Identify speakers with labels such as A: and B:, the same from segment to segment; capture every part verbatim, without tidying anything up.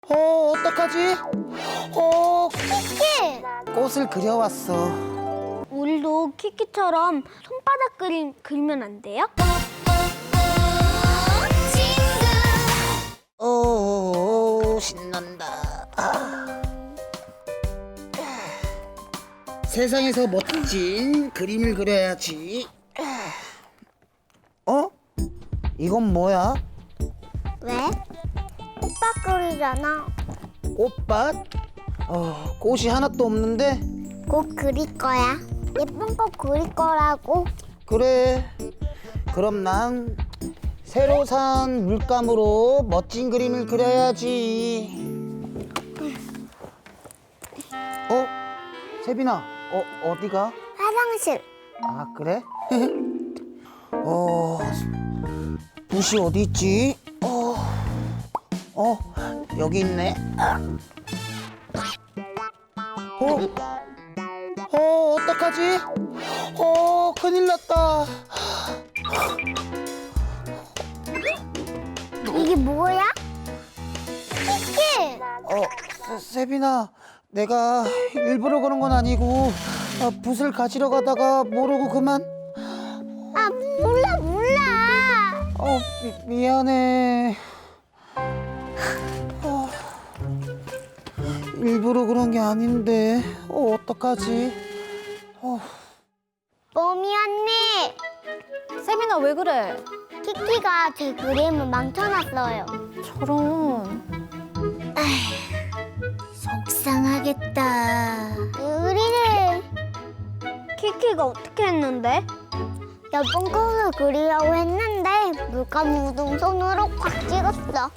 A: 어, 어떡하지? 어,
B: 키키!
A: 꽃을 그려왔어.
B: 우리도 키키처럼 손바닥 그림 그리면 안 돼요?
A: 오, 신난다. 아. 세상에서 멋진 그림을 그려야지. 어? 이건 뭐야?
B: 왜? 꽃밭 그리잖아.
A: 꽃밭? 어, 꽃이 하나도 없는데?
B: 꽃 그릴 거야. 예쁜 꽃 그릴 거라고.
A: 그래. 그럼 난 새로 산 물감으로 멋진 그림을 그려야지. 어? 세빈아, 어, 어디가?
B: 화장실.
A: 아, 그래? 어, 붓이 어디 있지? 어, 어, 여기 있네. 어, 어, 어떡하지? 어, 큰일 났다.
B: 이게 뭐야? 키키!
A: 어, 세, 세빈아, 내가 일부러 그런 건 아니고 어, 붓을 가지러 가다가 모르고 그만.
B: 아, 몰라, 몰라.
A: 어, 미, 미안해. 어, 일부러 그런 게 아닌데 어, 어떡하지? 어.
B: 뽀미 언니!
C: 세빈아 왜 그래?
B: 키키가 제 그림을 망쳐놨어요.
C: 저런.
B: 속상하겠다. 우리는 키키가 어떻게 했는데? 예쁜 꽃을 그리려고 했는데 물감 묻은 손으로 꽉 찍었어.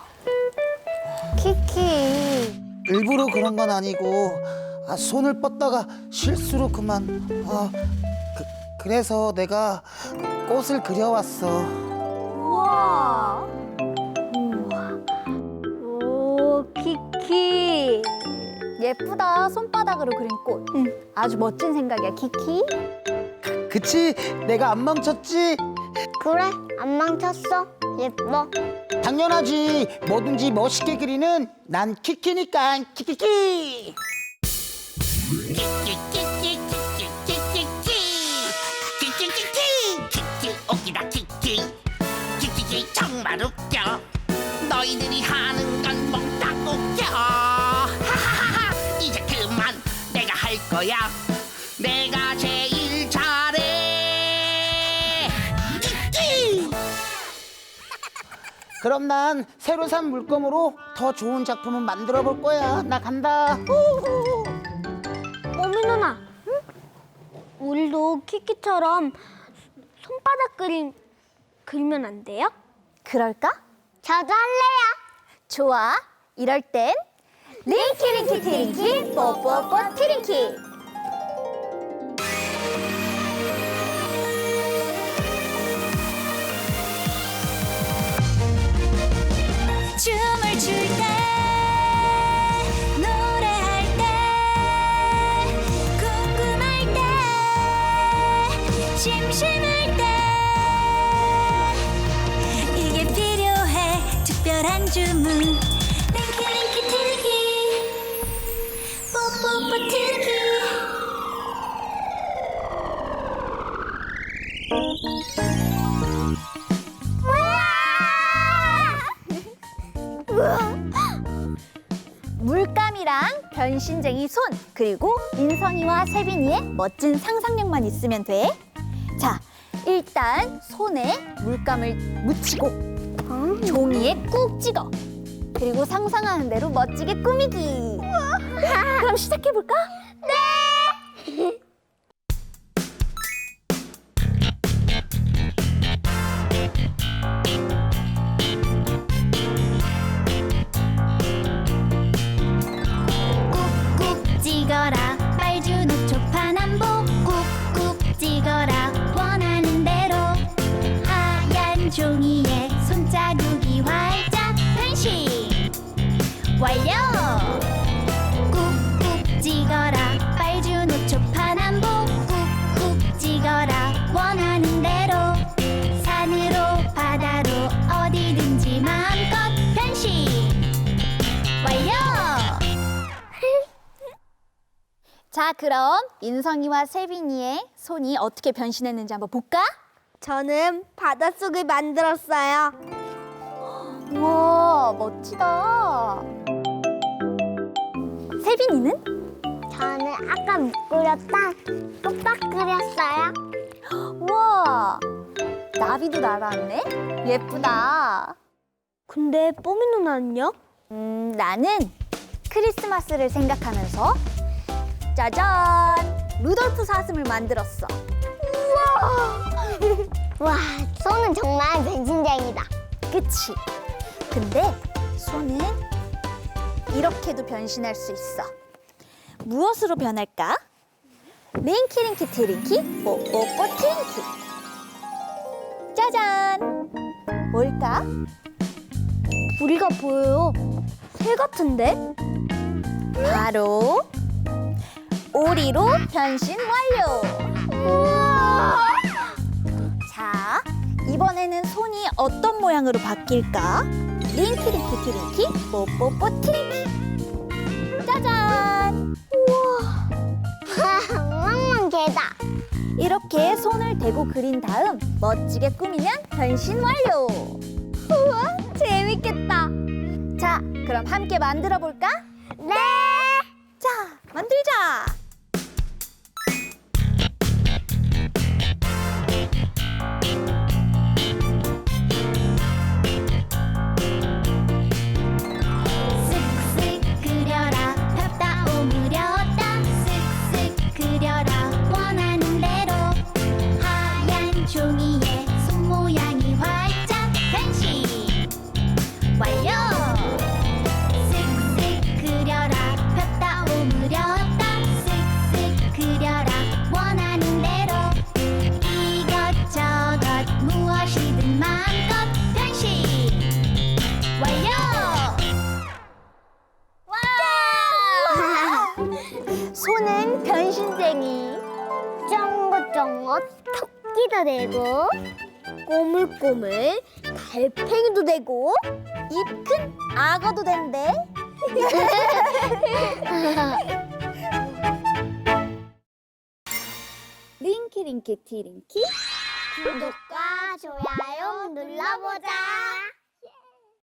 C: 키키.
A: 일부러 그런 건 아니고 아, 손을 뻗다가 실수로 그만. 아, 그, 그래서 내가 꽃을 그려왔어.
C: 우와.
B: 오, 키키.
C: 예쁘다. 손바닥으로 그린 꽃. 응. 아주 멋진 생각이야, 키키.
A: 그치? 내가 안 멈췄지?
B: 그래, 안 망쳤어. 예뻐.
A: 당연하지. 뭐든지 멋있게 그리는 난 키키니까. 키키키.
D: 키키 웃기다 키키 키키키 정말 웃겨 너희들이 하는 건 몽땅 웃겨 하하하하 이제 그만 내가 할 거야 내가 제일 잘해 키키
A: 그럼 난 새로 산 물감으로 더 좋은 작품을 만들어 볼 거야. 나 간다.
B: 뽀미 누나, 응? 우리도 키키처럼 손바닥 그림 그리면 안 돼요?
C: 그럴까?
B: 저도 할래요.
C: 좋아. 이럴 땐 링키링키 티링키 뽀뽀뽀 티링키.
E: 춤을 출 때 노래할 때 궁금할 때 심심할 때 이게 필요해 특별한 주문 링키링키 티링키 뽀뽀뽀 티링키
C: 물감이랑 변신쟁이 손, 그리고 인성이와 세빈이의 멋진 상상력만 있으면 돼. 자, 일단 손에 물감을 묻히고 종이에 꾹 찍어. 그리고 상상하는 대로 멋지게 꾸미기. 그럼 시작해볼까? 네!
E: 꾹꾹 찍어라 빨주노 초파남보 꾹꾹 찍어라 원하는 대로 하얀 종이에 손자국이 활짝 변신 완료 꾹꾹 찍어라 빨주노 초파남보 꾹꾹 찍어라 원하는 대로 산으로 바다로 어디든지 마음껏 변신
C: 자, 그럼 인성이와 세빈이의 손이 어떻게 변신했는지 한번 볼까?
B: 저는 바닷속을 만들었어요.
C: 우와, 멋지다. 세빈이는?
B: 저는 아까 못 그렸다 뚝딱 그렸어요.
C: 우와, 나비도 날아왔네. 예쁘다.
B: 근데 뽀미 누나는요?
C: 음, 나는 크리스마스를 생각하면서 짜잔! 루돌프 사슴을 만들었어.
B: 와, 손은 정말 변신쟁이다.
C: 그치? 근데 손은 이렇게도 변신할 수 있어. 무엇으로 변할까? 링키링키 트링키 뽀뽀뽀 트링키. 짜잔! 뭘까?
B: 부리가 보여요. 새 같은데?
C: 바로 오리로 변신 완료!
B: 우와!
C: 자, 이번에는 손이 어떤 모양으로 바뀔까? 링키링키 트링키 뽀뽀뽀 트링키. 짜잔!
B: 엉망만 개다.
C: 이렇게 손을 대고 그린 다음 멋지게 꾸미면 변신 완료!
B: 우와, 재밌겠다.
C: 자, 그럼 함께 만들어 볼까?
B: 네.
C: 자, 만들자!
E: 쓱쓱 그려라 폈다 오므렸다 쓱쓱 그려라 원하는 대로 하얀 종이에 손 모양이 활짝 변신 완료. 쓱쓱 그려라 폈다 오므렸다 쓱쓱 그려라 원하는 대로 이것저것 무엇이든 마음껏 변신 완료.
C: 손은 변신쟁이.
B: 쫑긋쫑긋 토끼도 되고 꼬물꼬물 달팽이도 되고
C: 입 큰 악어도 된대. 링키링키 티링키.
B: 구독과 좋아요 눌러보자.